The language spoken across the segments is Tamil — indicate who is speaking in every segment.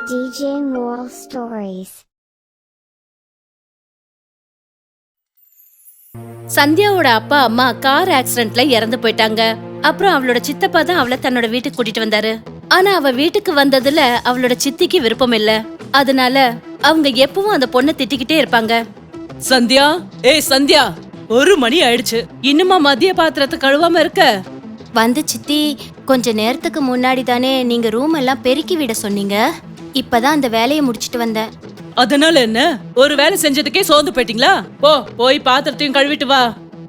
Speaker 1: DJ Moral Stories.
Speaker 2: சந்தியாவோட அப்பா அம்மா கார் ஆக்சிடென்ட்ல இறந்து போயிட்டாங்க. அப்புறம் அவளோட சித்தப்பா தான் அவளை தன்னோட வீட்டுக்கு கூட்டிட்டு வந்தாரு. ஆனா அவ வீட்டுக்கு வந்ததுல அவளோட சித்திக்கு விருப்பம் இல்ல. அதனால அவங்க எப்பவும் அந்த பொண்ணை திட்டிக்கிட்டே இருப்பாங்க. சந்தியா, ஏய் சந்தியா, 1 மணி ஆயிடுச்சு, இன்னுமா மதிய பாத்திரத்தை கழுவாம இருக்க?
Speaker 3: வந்து சித்தி, கொஞ்ச நேரத்துக்கு முன்னாடி தானே நீங்க ரூம் எல்லாம் பெருக்கி விட சொன்னீங்க. இப்பதான் அந்த வேலையை முடிச்சிட்டு வந்தேன்.
Speaker 2: அதனால என்ன, ஒரு வேலை செஞ்சதுக்கே சோர்ந்து போயிட்டீங்களா? போய் பாத்திரத்தையும் கழுவிட்டு வா.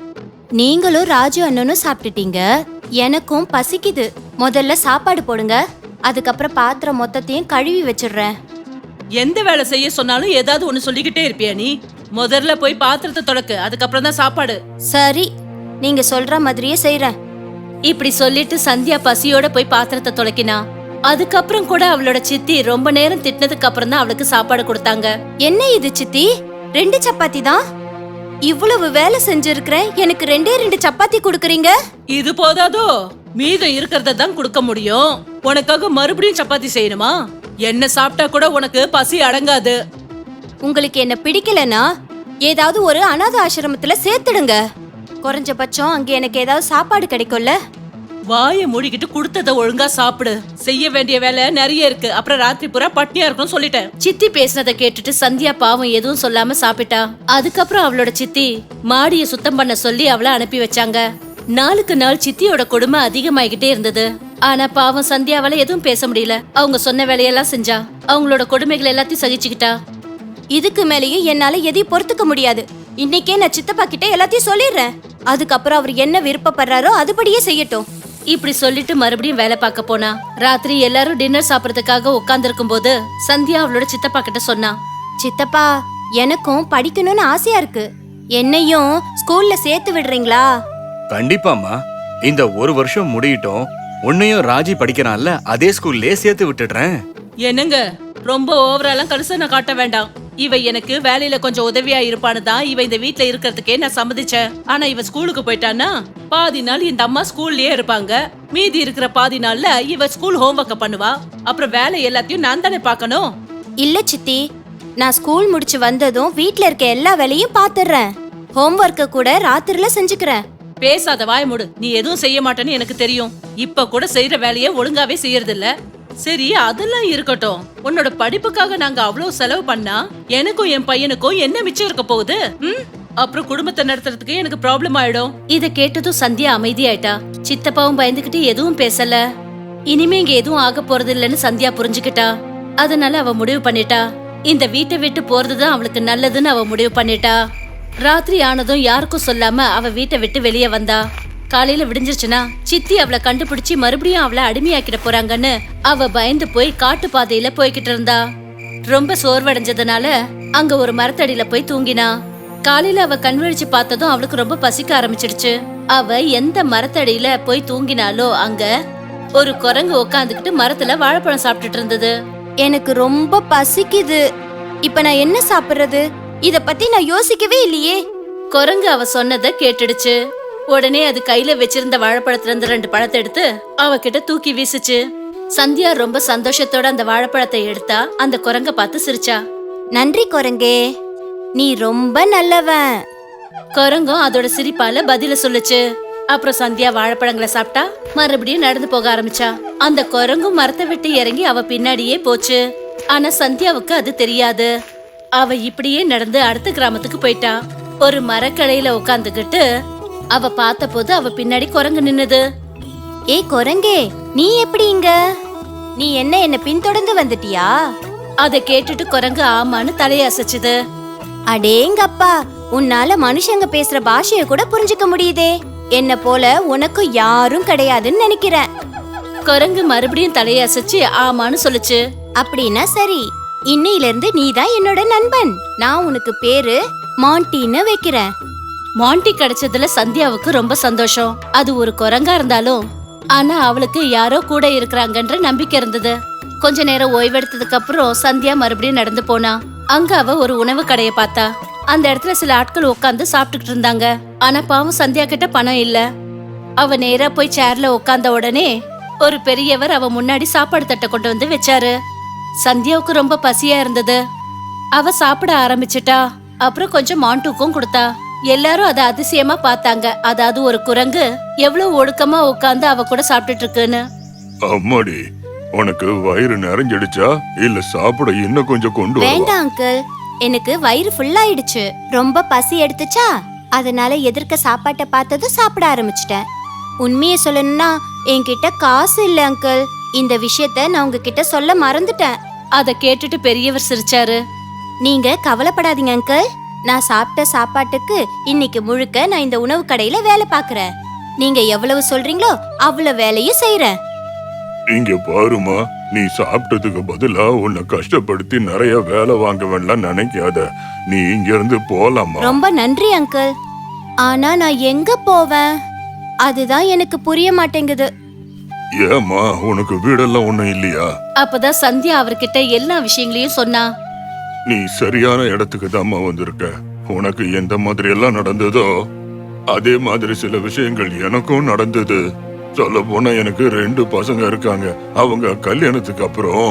Speaker 3: நீங்களும் ராஜு அண்ணனும் சாப்பிட்டுட்டீங்க, எனக்கும் பசிக்குது. முதல்ல சாப்பாடு போடுங்க, அதுக்கப்புறம் பாத்திரம் மொத்தத்தையும் கழுவி வச்சிடுறேன்.
Speaker 2: எந்த வேலை செய்ய சொன்னாலும் ஏதாவது ஒண்ணு சொல்லிக்கிட்டே இருப்பியா நீ? முதல்ல போய் பாத்திரத்தை தொடக்கு, அதுக்கப்புறம் தான் சாப்பாடு.
Speaker 3: சரி, நீங்க சொல்ற மாதிரியே செய்யறேன்.
Speaker 2: இப்படி சொல்லிட்டு சந்தியா பசியோட போய் பாத்திரத்தை துளைக்கினா. அதுக்கப்புறம் கூட அவளோட சித்தி ரொம்ப நேரம் திட்டினதுக்கு அப்புறம் தான் அவளுக்கு சாப்பாடு கொடுத்தாங்க.
Speaker 3: என்ன இது சித்தி, 2 சப்பாத்தி தான்? இவ்வளவு வேலை செஞ்சிருக்கிறேன், எனக்கு 2 சப்பாத்தி கொடுக்கறீங்க?
Speaker 2: இது போதாதோ, மீதம் இருக்கிறத தான் கொடுக்க முடியும். உனக்காக மறுபடியும் சப்பாத்தி செய்யணுமா? என்ன சாப்பிட்டா கூட உனக்கு பசி அடங்காது.
Speaker 3: உங்களுக்கு என்ன பிடிக்கலனா ஏதாவது ஒரு அனாத ஆசிரமத்துல சேர்த்துடுங்க. குறைஞ்சபட்சம் அங்க எனக்கு ஏதாவது சாப்பாடு கிடைக்கும்ல.
Speaker 2: வாயை மூடிக்கிட்டு கொடுத்தத ஒழுங்கா சாப்பிடு. செய்ய வேண்டிய வேலை நிறைய இருக்கு, அப்புறம் ராத்திரி பூரா பட்டினியா இருக்கணும் சொல்லிட்டேன். சித்தி பேசினதை கேட்டுட்டு சந்தியா பாவம் எதுவும் சொல்லாம சாப்பிட்டா. அதுக்கப்புறம் அவளோட சித்தி மாடிய சுத்தம் பண்ண சொல்லி அவளை அனுப்பி வச்சாங்க. நாளுக்கு நாள் சித்தியோட கொடுமை அதிகமாகிட்டே இருந்தது. ஆனா பாவம் சந்தியாவால எதுவும் பேச முடியல. அவங்க சொன்ன வேலையெல்லாம் செஞ்சா, அவங்களோட கொடுமைகள் எல்லாத்தையும் சகிச்சுக்கிட்டா.
Speaker 3: இதுக்கு மேலேயும் என்னால எதையும் பொறுத்துக்க முடியாது. இன்னைக்கே நான் சித்தப்பா கிட்ட எல்லாத்தையும் சொல்லிடுறேன். அதுக்கப்புறம் அவர் என்ன விருப்பப்படுறாரோ அதுபடியே செய்யட்டும்.
Speaker 2: இப்படி சொல்லிட்டு மறுபடியும் வேலை பார்க்க போனா. ராத்திரி எல்லாரும் டின்னர் சாப்பிடறதுக்காக உட்கார்ந்துருக்கும் போது சந்தியா அவளோட சித்தப்பா கிட்ட சொன்னா,
Speaker 3: சித்தப்பா, எனக்கும் படிக்கணும்னு ஆசையா இருக்கு. என்னையும் ஸ்கூல்ல சேர்த்து விடுறீங்களா?
Speaker 4: கண்டிப்பாமா, இந்த 1 வருஷம் முடியட்டும், உன்னையும் ராஜி படிக்கிறான்ல அதே ஸ்கூல்லே சேர்த்து விட்டுடுறேன்.
Speaker 2: என்னங்க, ரொம்ப ஓவராலாம் கரிசனை காட்ட வேண்டாம். இவ எனக்கு வேலையில கொஞ்சம் உதவியா இருப்பான்னு தான் இவ இந்த வீட்ல இருக்கிறதுக்கே நான் சம்மதிச்சேன். ஆனா இவ ஸ்கூலுக்கு போயிட்டான்னா பாதி நாள் இந்த அம்மா ஸ்கூல்லயே இருப்பாங்க. மீதி இருக்கிற பாதி நாள்ல இவ ஸ்கூல் ஹோம்ஒர்க்க பண்ணுவா. அப்புறம் வேலை எல்லாத்தையும் நான் தானே பார்க்கணும்.
Speaker 3: இல்ல சித்தி, நான் ஸ்கூல் முடிச்சு வந்ததும் வீட்ல இருக்க எல்லா வேலையும் பாத்துறேன். ஹோம்ஒர்க்க கூட ராத்திரில செஞ்சுக்கிறேன்.
Speaker 2: பேசாத, வாய மூடு. நீ எதுவும் செய்ய மாட்டேன்னு எனக்கு தெரியும். இப்ப கூட செய்யற வேலையை ஒழுங்காவே செய்யறது இல்ல. சரி, அதெல்லாம் இருக்கட்டும். உன்னோட படிப்புக்காக நாங்க அவ்வளவு செலவு பண்ணா எனக்கும் என் பையனுக்கும் என்ன மிச்சம் இருக்க போகுது? அப்புறம் குடும்பத்தை நடத்துறதுக்கு எனக்கு ப்ராப்ளம் ஆயிடும். இத கேட்டதும் சந்தியா அமைதியாயிட்டா. சித்தப்பாவும் பயந்துகிட்டு எதுவும் பேசல. இனிமே இங்க எதுவும் ஆக போறது இல்லன்னு சந்தியா புரிஞ்சுக்கிட்டா. அதனால அவ முடிவு பண்ணிட்டா, இந்த வீட்டை விட்டு போறதுதான் அவளுக்கு நல்லதுன்னு அவ முடிவு பண்ணிட்டா. ராத்திரி ஆனதும் யாருக்கும் சொல்லாம அவ வீட்டை விட்டு வெளியே வந்தா. காலையில விடிஞ்சிருச்சுன்னா சித்தி அவளை கண்டுபிடிச்சு மறுபடியும் அவளை அடிமையாக்கிட போறாங்கன்னு அவ பயந்து போய் காட்டு பாதையில போய்கிட்டு இருந்தா. ரொம்ப சோர்வடைஞ்சதுனால அங்க ஒரு மரத்தடியில போய் தூங்கினா. காலையில அவ கண் விழிச்சு பார்த்ததும் அவளுக்கு ரொம்ப பசிக்க ஆரம்பிச்சிடுச்சு. அவ எந்த மரத்தடியில போய் தூங்கினாலோ அங்க ஒரு குரங்கு உக்காந்துக்கிட்டு மரத்துல வாழைப்பழம் சாப்பிட்டுட்டு இருந்தது.
Speaker 3: எனக்கு ரொம்ப பசிக்குது, இப்ப நான் என்ன சாப்பிடுறது? இத பத்தி நான் யோசிக்கவே இல்லையே.
Speaker 2: குரங்கு அவ சொன்னதை கேட்டுடுச்சு. உடனே அது கையில வச்சிருந்த வாழைப்பழத்துல இருந்து 2 பழத்தை எடுத்து அவகிட்ட தூக்கி வீசுச்சு. சந்தியா ரொம்ப சந்தோஷத்தோட அந்த வாழைப்பழத்தை எடுத்தா. அந்த குரங்க பார்த்து சிரிச்சா.
Speaker 3: நன்றி குரங்கே, நீ ரொம்ப நல்லவன்.
Speaker 2: குரங்கும் அதோட சிரிப்பால பதில சொல்லுச்சு. அப்புறம் சந்தியா வாழைப்பழங்களை சாப்பிட்டா. மறுபடியும் நடந்து போக ஆரம்பிச்சா. அந்த குரங்கும் மரத்தை விட்டு இறங்கி அவ பின்னாடியே போச்சு. ஆனா சந்தியாவுக்கு அது தெரியாது. அவ இப்படியே நடந்து அடுத்த கிராமத்துக்கு போயிட்டா. ஒரு மரக்கடையில உட்காந்துக்கிட்டு அவ பார்த்த போது அவ பின்னாடி குரங்கு நின்னுது.
Speaker 3: ஏய் குரங்கே, நீ எப்படி இங்க? நீ என்ன பின்தொடர்ந்து வந்துட்டியா?
Speaker 2: அத கேட்டுட்டு குரங்கு ஆமான்னு தலையசைச்சுது.
Speaker 3: அடேங்கப்பா, உன்னால மனுஷங்க பேசுற பாஷைய கூட புரிஞ்சுக்க முடியுதே. என்ன போல உனக்கு யாரும் கிடையாதுன்னு நினைக்கிறேன்.
Speaker 2: குரங்கு மறுபடியும் தலையசைச்சு ஆமான்னு சொல்லுச்சு.
Speaker 3: அப்படின்னா சரி, இன்னையில இருந்து நீதான் என்னோட நண்பன். நான் உனக்கு பேரு மாண்டின்னு வைக்கிறேன்.
Speaker 2: மாண்டி கிடைச்சதுல சந்தியாவுக்கு ரொம்ப சந்தோஷம். அது ஒரு குரங்கா இருந்தாலும் ஆனா அவளுக்கு யாரோ கூட இருக்கிறாங்கன்ற நம்பிக்கை இருந்தது. கொஞ்ச நேரம் ஓய்வெடுத்ததுக்கு அப்புறம் சந்தியா மறுபடியும் நடந்து போனா. அங்க அவ ஒரு உணவு கடையை பார்த்தா. அந்த இடத்துல சில ஆட்கள் உட்காந்து சாப்பிட்டுக்கிட்டு இருந்தாங்க. ஆனா பாவம் சந்தியா கிட்ட பணம் இல்ல. அவ நேரா போய் சேர்ல உட்கார்ந்த உடனே ஒரு பெரியவர் அவ முன்னாடி சாப்பாடு தட்டை கொண்டு வந்து வச்சாரு. சந்தியாவுக்கு ரொம்ப பசியா இருந்தது. அவ சாப்பிட ஆரம்பிச்சிட்டா. அப்புறம் கொஞ்சம் மாண்டுக்கும் கொடுத்தா. எல்லாரும் அத அதிசயமா பார்த்தாங்க. அதாவது ஒரு குரங்கு எவ்வளவு ஒழுக்கமா உட்கார்ந்து அவ கூட சாப்பிட்டுட்டு இருக்குன்னு.
Speaker 5: அம்மாடி, உனக்கு வயிறு நிறைஞ்சிடுச்சா இல்ல சாப்பிட இன்னும் கொஞ்சம் கொண்டு வரவா?
Speaker 3: வேண்டாம் அங்கிள், எனக்கு வயிறு ஃபுல் ஆயிடுச்சு. ரொம்ப பசி எடுத்துச்சா, அதனால எதிர்க்க சாப்பாட்டை பார்த்ததும் சாப்பிட ஆரம்பிச்சிட்டேன். உண்மையை சொல்லணும்னா என்கிட்ட காசு இல்ல அங்கிள். இந்த விஷயத்த நான் உங்ககிட்ட சொல்ல மறந்துட்டேன்.
Speaker 2: அத கேட்டுட்டு பெரியவர் சிரிச்சாரு.
Speaker 3: நீங்க கவலைப்படாதீங்க அங்கிள். நான் சாப்பிட்ட சாப்பாட்டுக்கு இன்னைக்கு முழுக்க நான் இந்த உணவு கடையில வேலை பார்க்கறேன். நீங்க எவ்வளவு சொல்றீங்களோ அவ்வளவு வேலையும் செய்யறேன்.
Speaker 5: இங்க பாருமா, நீ சாப்பிட்டதுக்கு பதிலா உன்னை கஷ்டப்படுத்தி நிறைய வேலை வாங்க வேண்டாம் நினைக்காத. நீ இங்க இருந்து போலாமா?
Speaker 3: ரொம்ப நன்றி அங்கிள். ஆனா நான் எங்க போவேன்? அதுதான் எனக்கு புரிய மாட்டேங்குது.
Speaker 5: ஏமா, உனக்கு வீடெல்லாம் ஒண்ணும் இல்லையா?
Speaker 2: அப்பதான் சந்தியா அவர்கிட்ட எல்லா விஷயங்களையும் சொன்னா.
Speaker 5: நீ சரியான இடத்துக்கு தாம்மா வந்திருக்க. உனக்கு எந்த மாதிரி எல்லாம் நடந்ததோ அதே மாதிரி சில விஷயங்கள் எனக்கும் நடந்தது. சொல்ல போனா எனக்கு 2 பசங்க இருக்காங்க. அவங்க கல்யாணத்துக்கு அப்புறம்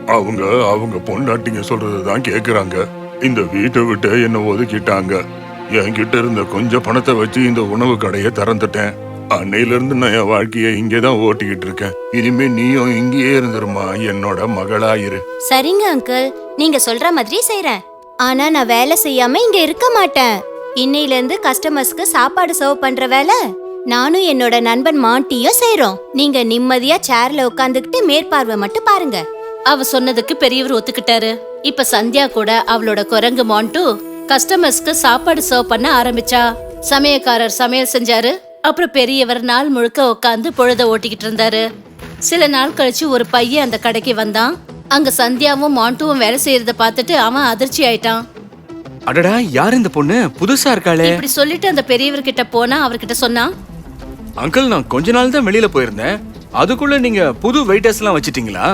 Speaker 5: அவங்க பொண்டாட்டிங்க சொல்றதுதான் கேக்குறாங்க. இந்த வீட்டை விட்டு என்ன ஒதுக்கிட்டாங்க. என்கிட்ட இருந்த கொஞ்சம் பணத்தை வச்சு இந்த உணவு கடையை திறந்துட்டேன். அன்னையில இருந்து நான் என் வாழ்க்கைய இங்கேதான் ஓட்டிக்கிட்டு இருக்கேன். இனிமே நீயும் இங்கேயே இருந்துருமா, என்னோட மகளாயிரு.
Speaker 3: சரிங்க அங்கிள், நீங்க சொல்ற மாதிரி செய்றேன். ஆனா நான் வேலை செய்யாம இங்க இருக்க மாட்டேன். இன்னையில இருந்து கஸ்டமர்ஸ்க்கு சாப்பாடு சர்வ் பண்ற வேலை நானும் என்னோட நண்பன் மாண்டியும் செய்றோம். நீங்க நிம்மதியா சேர்ல உட்கார்ந்துகிட்டு மேற்பார்வை மட்டும் பாருங்க.
Speaker 2: அவ சொன்னதுக்கு பெரியவர் ஒத்துக்கிட்டாரு. இப்ப சந்தியா கூட அவளோட குரங்கு மாண்டு கஸ்டமர்ஸ்க்கு சாப்பாடு சர்வ் பண்ண ஆரம்பிச்சா. சமையக்காரர் சமையல் செஞ்சாரு. அப்புறம் பெரியவர் நாள் முழுக்க உட்காந்து பொழுத ஓட்டிக்கிட்டு இருந்தாரு. சில நாள் கழிச்சு ஒரு பையன் அந்த கடைக்கு வந்தான். அங்க சந்தியாவும் மாண்டுவும் வேலை செய்யறத பார்த்துட்டு அவன் அதிர்ச்சி ஆயிட்டான்.
Speaker 4: அடடா, யார் இந்த பொண்ணு? புதுசா இருக்காளே.
Speaker 2: இப்படி சொல்லிட்டு அந்த பெரியவர் கிட்ட போனா அவர்கிட்ட சொன்னா,
Speaker 4: அங்கிள், நான் கொஞ்ச நாள் தான் வெளியில போயிருந்தேன். அதுக்குள்ள நீங்க புது வெயிட்டர்ஸ் எல்லாம் வச்சிட்டீங்களா?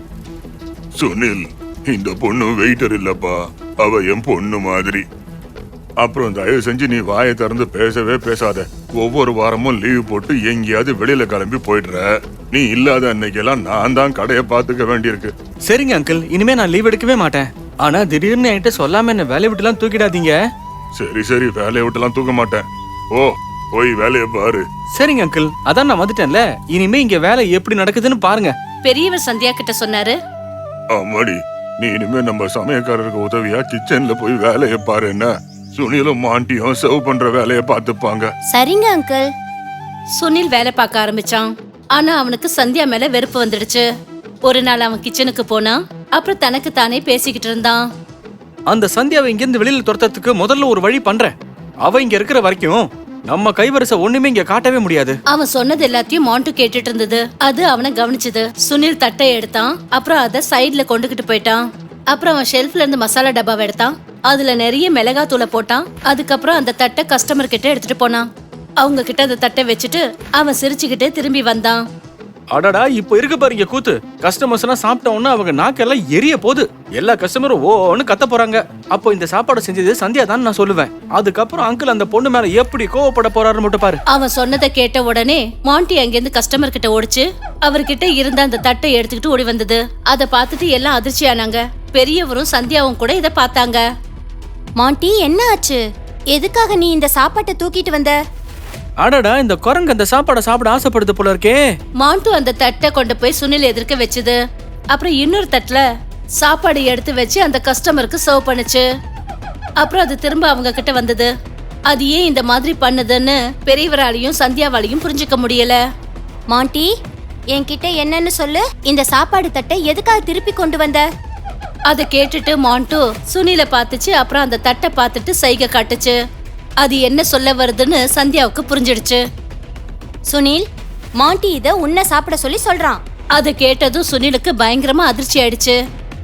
Speaker 5: சுனில், இந்த பொண்ணு வெயிட்டர் இல்லப்பா, அவ என் பொண்ணு மாதிரி. அப்புறம் தயவு செஞ்சு நீ வாயை திறந்து பேசவே பேசாத. ஒவ்வொரு வாரமும் லீவ் போட்டு எங்கேயாவது வெளியில கிளம்பி போயிடுற. நீ இல்லாத அன்னைக்கெல்லாம் நான் தான் கடையை பாத்துக்க வேண்டியிருக்கு.
Speaker 4: சரிங்க அங்கிள், இனிமே நான் லீவ் எடுக்கவே மாட்டேன். ஆனா திடீர்னு என்கிட்ட சொல்லாம என்ன வேலையை விட்டுலாம் தூக்கிடாதீங்க.
Speaker 5: சரி, வேலையை விட்டுலாம் தூக்க மாட்டேன். ஓ, போய் வேலையை பாரு.
Speaker 4: சரிங்க அங்கிள், அதான் நான் வந்துட்டேன்ல. இனிமே இங்க வேலை எப்படி நடக்குதுன்னு பாருங்க.
Speaker 2: பெரியவர் சந்தியா கிட்ட சொன்னாரு.
Speaker 5: அம்மாடி, நீ இனிமே நம்ம சமயக்காரருக்கு உதவியா கிச்சன்ல போய் வேலையை பாரு. என்ன, சுனிலும் மாண்டியும் சர்வ் பண்ற வேலையை பார்த்துப்பாங்க.
Speaker 3: சரிங்க அங்கிள்.
Speaker 2: சுனில் வேலை பார்க்க ஆரம்பிச்சான். ஆனா அவனுக்கு சந்தியா மேல வெறுப்பு வந்துடுச்சு. ஒரு நாள் அவன் கிச்சனுக்கு போனா. அப்புறம் தனக்கு தானே பேசிக்கிட்டு இருந்தான்.
Speaker 4: அந்த சந்தியாவை இங்க இருந்து வெளியில துரத்துறதுக்கு முதல்ல ஒரு வழி பண்றேன். அவ இங்க இருக்கிற வரைக்கும் நம்ம கைவரிசை ஒண்ணுமே இங்க காட்டவே முடியாது.
Speaker 2: அவன் சொன்னது எல்லாத்தையும் மாண்டு கேட்டுட்டு இருந்தது. அது அவனை கவனிச்சது. சுனில் தட்டை எடுத்தான். அப்புறம் அதை சைட்ல கொண்டுகிட்டு போயிட்டான். அப்புறம் அவன் ஷெல்ஃப்ல இருந்து மசாலா டப்பாவை எடுத்தான். அதுல நிறைய மிளகாத்தூளை போட்டான். அதுக்கப்புறம் அந்த தட்டை கஸ்டமர் கிட்ட எடுத்துட்டு போனான். அவங்க கிட்ட அந்த தட்டை வச்சுட்டு அவன் சிரிச்சுக்கிட்டே திரும்பி வந்தான்.
Speaker 4: அடடா, இப்ப இருக்கு பாருங்க கூத்து. கஸ்டமர்ஸ் எல்லாம் சாப்பிட்ட உடனே அவங்க நாக்கெல்லாம் எரிய போகுது. எல்லா கஸ்டமரும் ஓன்னு கத்த போறாங்க. அப்போ இந்த சாப்பாடு செஞ்சது சந்தியா தான் நான் சொல்லுவேன். அதுக்கப்புறம் அங்கிள் அந்த பொண்ணு மேல எப்படி கோவப்பட போறாரு மட்டும் பாரு.
Speaker 2: அவன் சொன்னதை கேட்ட உடனே மாண்டி அங்கிருந்து கஸ்டமர் கிட்ட ஓடிச்சு. அவர்கிட்ட இருந்த அந்த தட்டை எடுத்துக்கிட்டு ஓடி வந்தது. அதை பார்த்துட்டு எல்லாம் அதிர்ச்சி ஆனாங்க. பெரியவரும் சந்தியாவும் கூட இதை பார்த்தாங்க.
Speaker 3: மாண்டி, என்ன ஆச்சு? எதுக்காக நீ இந்த சாப்பாட்டை தூக்கிட்டு வந்த?
Speaker 4: அடடா, இந்த குரங்கு அந்த சாப்பாடை சாப்பிட ஆசைப்படுது போல இருக்கே.
Speaker 2: மாண்டு அந்த தட்டை கொண்டு போய் சுனில் எதிர்க்க வச்சுது. அப்புறம் இன்னொரு தட்டுல சாப்பாடு எடுத்து வச்சு அந்த கஸ்டமருக்கு சர்வ் பண்ணுச்சு. அப்புறம் அது திரும்ப அவங்க கிட்ட வந்தது. அது ஏன் இந்த மாதிரி பண்ணுதுன்னு பெரியவராலையும் சந்தியாவாலையும் புரிஞ்சுக்க முடியல.
Speaker 3: மாண்டி, என்கிட்ட என்னன்னு சொல்லு. இந்த சாப்பாடு தட்டை எதுக்காக திருப்பி கொண்டு வந்த?
Speaker 2: அதை கேட்டுட்டு மாண்டு சுனில பார்த்துச்சு. அப்புறம் அந்த தட்டை பார்த்துட்டு சைகை காட்டுச்சு. அது என்ன சொல்ல வருதுன்னு சந்தியாவுக்கு புரிஞ்சிடுச்சு.
Speaker 3: சுனில், மாண்டி இத உன்னை சாப்பிட சொல்லி சொல்றான்.
Speaker 2: அதை கேட்டதும் சுனிலுக்கு பயங்கரமா அதிர்ச்சி ஆயிடுச்சு.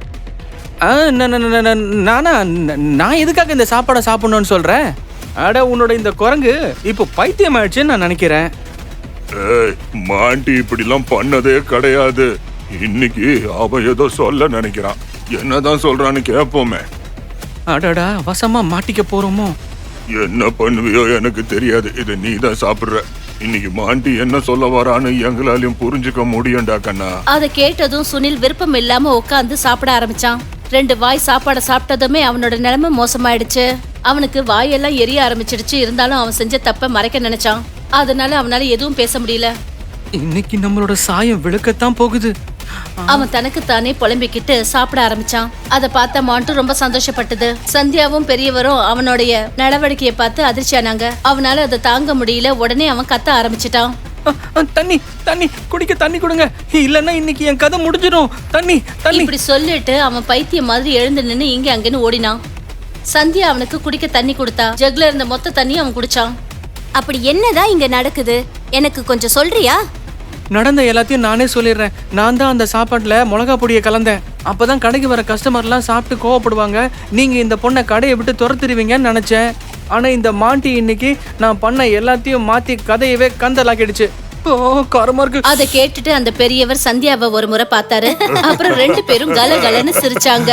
Speaker 4: நான் எதுக்காக இந்த சாப்பாடை சாப்பிடணும்னு சொல்றேன்? அட, உன்னோட இந்த குரங்கு இப்போ பைத்தியம் ஆயிடுச்சுன்னு நான் நினைக்கிறேன்.
Speaker 5: ஏய், மாண்டி இப்படிலாம் பண்ணதே கிடையாது. இன்னைக்கு அவன் ஏதோ சொல்ல நினைக்கிறான். என்னதான் சொல்றான்னு கேட்போமே.
Speaker 4: அடடா, வசமா மாட்டிக்க போறோமோ?
Speaker 5: என்ன பண்ணுவியோ எனக்கு தெரியாது. இது நீ தான் சாப்பிடுற. இன்னைக்கு மாண்டி என்ன சொல்ல வரான்னு எங்களாலையும் புரிஞ்சுக்க முடியும்டா கண்ணா.
Speaker 2: அதை கேட்டதும் சுனில் விருப்பம் இல்லாம உட்காந்து சாப்பிட ஆரம்பிச்சான். 2 வாய் சாப்பாட சாப்பிட்டதுமே அவனோட நிலைமை மோசமாயிடுச்சு. அவனுக்கு வாயெல்லாம் எரிய ஆரம்பிச்சிடுச்சு. இருந்தாலும் அவன் செஞ்ச தப்ப மறைக்க நினைச்சான். அதனால அவனால எதுவும் பேச முடியல.
Speaker 4: இன்னைக்கு நம்மளோட சாயம் விளக்கத்தான் போகுது.
Speaker 2: அவன் தனக்கு தானே புலம்பிக்கிட்டு சாப்பிட ஆரம்பிச்சான். அத பார்த்த மாண்டு ரொம்ப சந்தோஷப்பட்டது. சந்தியாவும் பெரியவரும் அவனுடைய நடவடிக்கையை பார்த்து அதிர்ச்சியானாங்க. அவனால அதை தாங்க முடியல. உடனே அவன் கத்த ஆரம்பிச்சிட்டான்.
Speaker 4: தண்ணி தண்ணி குடிக்க தண்ணி கொடுங்க, இல்லன்னா இன்னைக்கு என் கதை முடிஞ்சிடும். தண்ணி தண்ணி.
Speaker 2: இப்படி சொல்லிட்டு அவன் பைத்தியம் மாதிரி எழுந்து நின்னு இங்க அங்கன்னு ஓடினான். சந்தியா அவனுக்கு குடிக்க தண்ணி கொடுத்தா. ஜக்ல இருந்த மொத்த தண்ணி அவன் குடிச்சான்.
Speaker 3: அப்படி என்னதான் இங்க நடக்குது எனக்கு கொஞ்சம் சொல்றியா?
Speaker 4: நடந்த எல்லாத்தையும் நானே சொல்லிடுறேன். நான் தான் அந்த சாப்பாட்டுல மிளகா பொடியை கலந்தேன். அப்பதான் கடைக்கு வர கஸ்டமர்லாம் சாப்பிட்டு கோவப்படுவாங்க. நீங்க இந்த பொண்ணை கடையை விட்டு துரத்துருவீங்கன்னு நினைச்சேன். ஆனா இந்த மாண்டி இன்னைக்கு நான் பண்ண எல்லாத்தையும் மாத்தி கதையவே கந்தலாக்கிடுச்சு. காரமா இருக்கு.
Speaker 2: அதை கேட்டுட்டு அந்த பெரியவர் சந்தியாவை ஒரு முறை பார்த்தாரு. அப்புறம் 2 பேரும் கலகலன்னு சிரிச்சாங்க.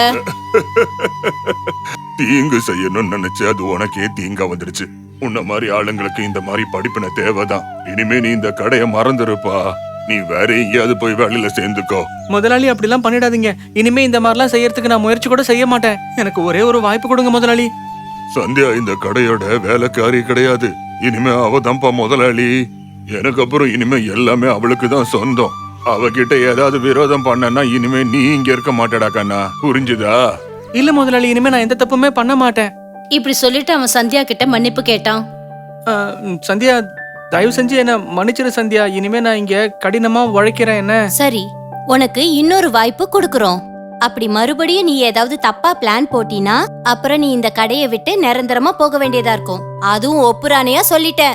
Speaker 5: தீங்கு செய்யணும்னு நினைச்சு அது உனக்கே தீங்கா வந்துடுச்சு. உன்ன மாதிரி ஆளுங்களுக்கு இந்த மாதிரி படிப்பின தேவைதான். இனிமே நீ இந்த கடையை மறந்துருப்பா. நீ வேற எங்கேயாவது போய் வேலையில சேர்ந்துக்கோ.
Speaker 4: முதலாளி அப்படிலாம் பண்ணிடாதீங்க. இனிமே இந்த மாதிரிலாம் செய்யறதுக்கு நான் முயற்சி கூட செய்ய மாட்டேன். எனக்கு ஒரே ஒரு வாய்ப்பு கொடுங்க முதலாளி.
Speaker 5: சந்தியா இந்த கடையோட வேலைக்காரி கிடையாது. இனிமே அவதான்ப்பா முதலாளி. எனக்கு அப்புறம் இனிமே எல்லாமே அவளுக்கு தான் சொந்தம். அவகிட்ட ஏதாவது விரோதம் பண்ணனா இனிமே நீ இங்க இருக்க மாட்டடா கண்ணா. புரிஞ்சுதா?
Speaker 4: இல்ல முதலாளி, இனிமே நான் எந்த தப்புமே பண்ண மாட்டேன்.
Speaker 2: இப்படி சொல்லிட்டு அவன் சந்தியா கிட்ட மன்னிப்பு கேட்டான்.
Speaker 4: சந்தியா, தயவு செஞ்சு என்ன மன்னிச்சிரு சந்தியா. இனிமே நான் இங்க கடினமா உழைக்கிறேன். என்ன
Speaker 3: சரி, உனக்கு இன்னொரு வாய்ப்பு கொடுக்கறோம். அப்படி மறுபடியும் நீ ஏதாவது தப்பா பிளான் போட்டினா அப்புறம் நீ இந்த கடையை விட்டு நிரந்தரமா போக வேண்டியதா இருக்கும். அதுவும் ஒப்புரானையா சொல்லிட்டேன்.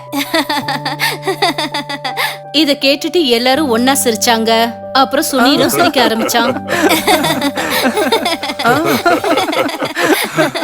Speaker 2: இத கேட்டுட்டு எல்லாரும் ஒன்னா சிரிச்சாங்க. அப்புறம் சுனிலும் சிரிக்க ஆரம்பிச்சான்.